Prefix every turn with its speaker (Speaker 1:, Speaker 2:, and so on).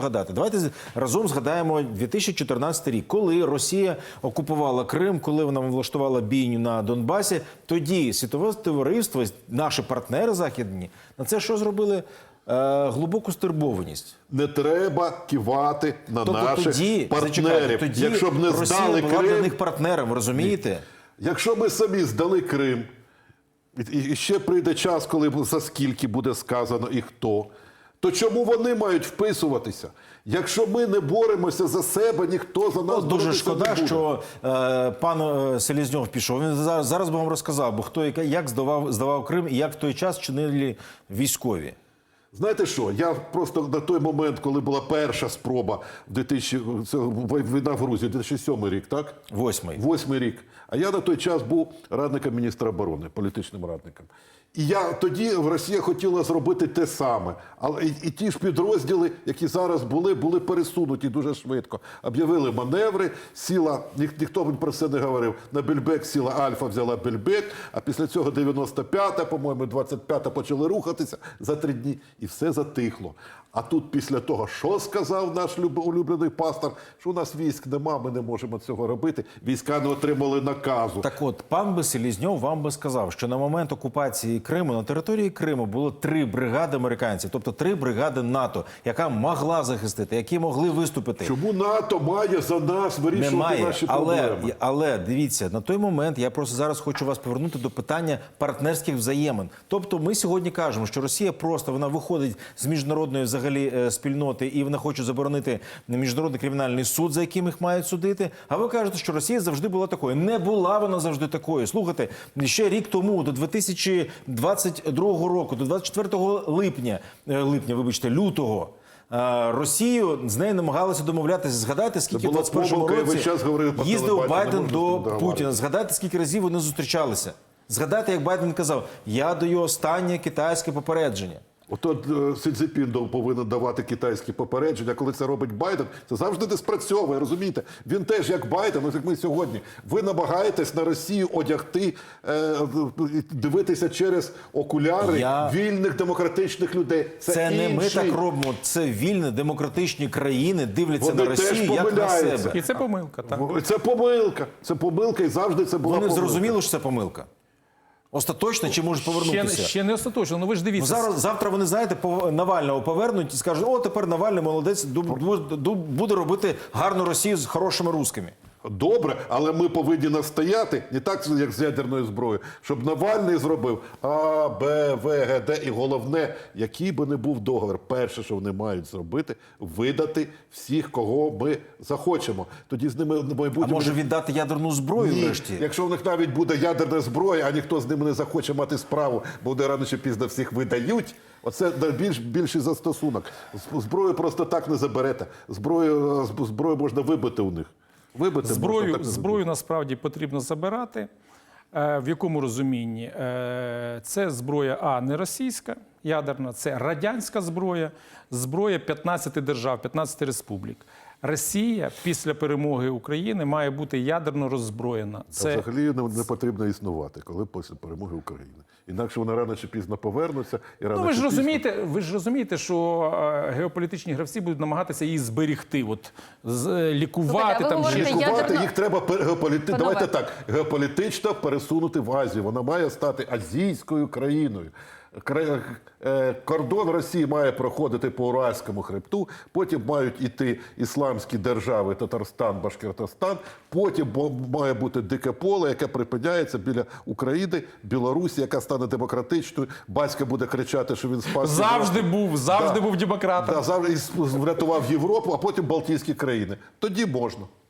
Speaker 1: Згадати. Давайте разом згадаємо 2014 рік, коли Росія окупувала Крим, коли вона влаштувала бійню на Донбасі. Тоді світове товариство, наші партнери західні, на це що зробили? Глибоку стурбованість.
Speaker 2: Не треба кивати на наших партнерів.
Speaker 1: Тоді
Speaker 2: якщо б не
Speaker 1: Росія
Speaker 2: здали
Speaker 1: була
Speaker 2: Крим,
Speaker 1: для них партнером, розумієте?
Speaker 2: Якщо ми самі здали Крим, і ще прийде час, коли за скільки буде сказано і хто, то чому вони мають вписуватися? Якщо ми не боремося за себе, ніхто за нас
Speaker 1: Дуже шкода,
Speaker 2: не буде.
Speaker 1: що пан Селезньов пішов. Він зараз би вам розказав, бо хто як здавав Крим і як в той час чинили військові.
Speaker 2: Знаєте що, я просто на той момент, коли була перша спроба, війна в Грузії, 2007 рік, так? Восьмий рік. А я на той час був радником міністра оборони, політичним радником. І тоді Росія хотіла зробити те саме. Але і ті ж підрозділи, які зараз були пересунуті дуже швидко. Об'явили маневри, сіла, ніхто про це не говорив, на Бельбек сіла Альфа взяла Бельбек, а після цього 95-та, по-моєму, 25-та почали рухатися за 3 дні. І все затихло. А тут після того, що сказав наш улюблений пастор, що у нас військ нема, ми не можемо цього робити, війська не отримали наказу.
Speaker 1: Так от, пан Селезньов вам би сказав, що на момент окупації Криму, на території Криму було 3 бригади американців, тобто 3 бригади НАТО, яка могла захистити, які могли виступити.
Speaker 2: Чому НАТО має за нас вирішувати наші проблеми?
Speaker 1: Але, дивіться, на той момент, я просто зараз хочу вас повернути до питання партнерських взаємин. Тобто ми сьогодні кажемо, що Росія просто, вона виходить з міжнародної взагалі спільноти і вона хоче заборонити міжнародний кримінальний суд, за яким їх мають судити. А ви кажете, що Росія завжди була такою. Не була вона завжди такою. Слухайте, ще рік тому, до 2022 року, до 24 лютого, Росію, з нею намагалися домовлятися. Згадайте, скільки в 21-му році їздив Байден до Путіна. Згадайте, скільки разів вони зустрічалися. Згадайте, як Байден казав, я даю останнє китайське попередження.
Speaker 2: Ото Сі Цзіньпін повинен давати китайські попередження, коли це робить Байден, це завжди не спрацьовує, розумієте? Він теж, як Байден, ось як ми сьогодні, ви намагаєтесь на Росію одягти, дивитися через окуляри вільних демократичних людей.
Speaker 1: Це не ми так робимо, це вільні демократичні країни дивляться на Росію як на себе.
Speaker 3: І це помилка, так?
Speaker 2: Це помилка і завжди це була помилка.
Speaker 1: Вони зрозуміли, що це помилка? Остаточно чи можуть повернутися?
Speaker 3: Ще не остаточно, ну ви ж дивіться.
Speaker 1: Завтра вони, знаєте, Навального повернуть і скажуть, о, тепер Навальний молодець, буде робити гарну Росію з хорошими русскими.
Speaker 2: Добре, але ми повинні настояти, не так, як з ядерною зброєю, щоб Навальний зробив А, Б, В, Г, Д і головне, який би не був договір, перше, що вони мають зробити, видати всіх, кого ми захочемо. Тоді з ними в майбутньому...
Speaker 1: А може віддати ядерну зброю врешті?
Speaker 2: Якщо в них навіть буде ядерна зброя, а ніхто з ними не захоче мати справу, бо вони рано чи пізно всіх видають, оце більший застосунок. Зброю просто так не заберете. Зброю можна вибити у них.
Speaker 3: Зброю насправді потрібно забирати. В якому розумінні? Це зброя, не російська, ядерна, це радянська зброя, зброя 15 держав, 15 республік. Росія після перемоги України має бути ядерно роззброєна.
Speaker 2: Взагалі не потрібно існувати, коли після перемоги України. Інакше вони рано чи пізно повернуться.
Speaker 3: Ви ж розумієте, що геополітичні гравці будуть намагатися її зберігти, лікувати.
Speaker 2: Їх треба геополітично пересунути в Азію. Вона має стати азійською країною. Кордон Росії має проходити по Уральському хребту, потім мають іти ісламські держави Татарстан, Башкортостан, потім має бути дике поле, яке припиняється біля України, Білорусі, яка стане демократичною, батько буде кричати, що він спас.
Speaker 3: Завжди був демократом.
Speaker 2: Завжди врятував Європу, а потім Балтійські країни. Тоді можна.